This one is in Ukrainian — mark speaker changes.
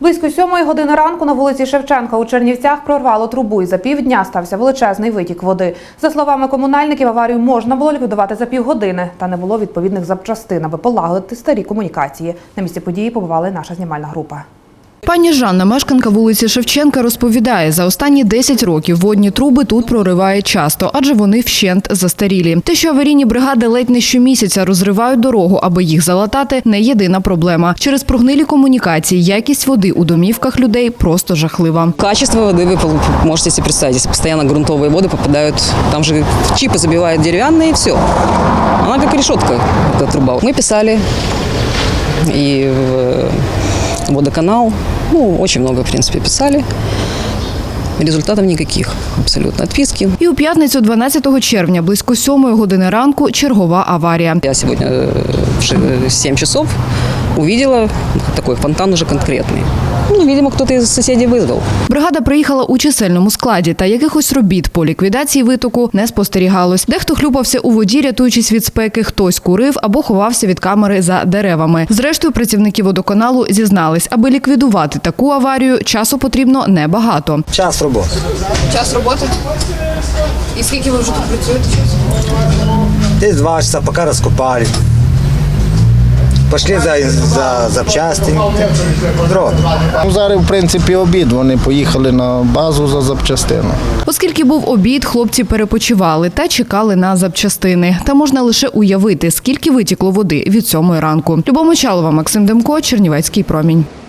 Speaker 1: Близько 7 години ранку на вулиці Шевченка у Чернівцях прорвало трубу і за півдня стався величезний витік води. За словами комунальників, аварію можна було ліквідувати за півгодини, та не було відповідних запчастин, аби полагодити старі комунікації. На місці події побувала наша знімальна група.
Speaker 2: Пані Жанна, мешканка вулиці Шевченка, розповідає, за останні 10 років водні труби тут прориває часто, адже вони вщент застарілі. Те, що аварійні бригади ледь не щомісяця розривають дорогу, аби їх залатати, не єдина проблема. Через прогнилі комунікації якість води у домівках людей просто жахлива.
Speaker 3: Качество воды вы можете себе представить, если постоянно грунтовые воды попадают, там же чипы забивают деревянные и все. Она как решетка, эта труба. Мы писали и в водоканал, очень много, в принципе, писали. Результатів ніяких, абсолютно, відписки.
Speaker 2: І у п'ятницю 12 червня, близько 7 години ранку, чергова аварія.
Speaker 3: Я сьогодні в 7 часов увидела такой фонтан уже конкретний. Видимо, хтось із сусідів визвав.
Speaker 2: Бригада приїхала у чисельному складі, та якихось робіт по ліквідації витоку не спостерігалось. Дехто хлюпався у воді, рятуючись від спеки, хтось курив або ховався від камери за деревами. Зрештою, працівники водоканалу зізнались, аби ліквідувати таку аварію, часу потрібно небагато.
Speaker 4: Час роботи.
Speaker 2: Час роботи? І скільки ви вже тут працюєте?
Speaker 4: Десь 2 часа, поки розкопали. Пішли за запчасти.
Speaker 5: Зараз, в принципі, обід. Вони поїхали на базу за запчастину.
Speaker 2: Оскільки був обід, хлопці перепочивали та чекали на запчастини. Та можна лише уявити, скільки витікло води від 7 ранку. Любов Мочалова, Максим Демко, Чернівецький промінь.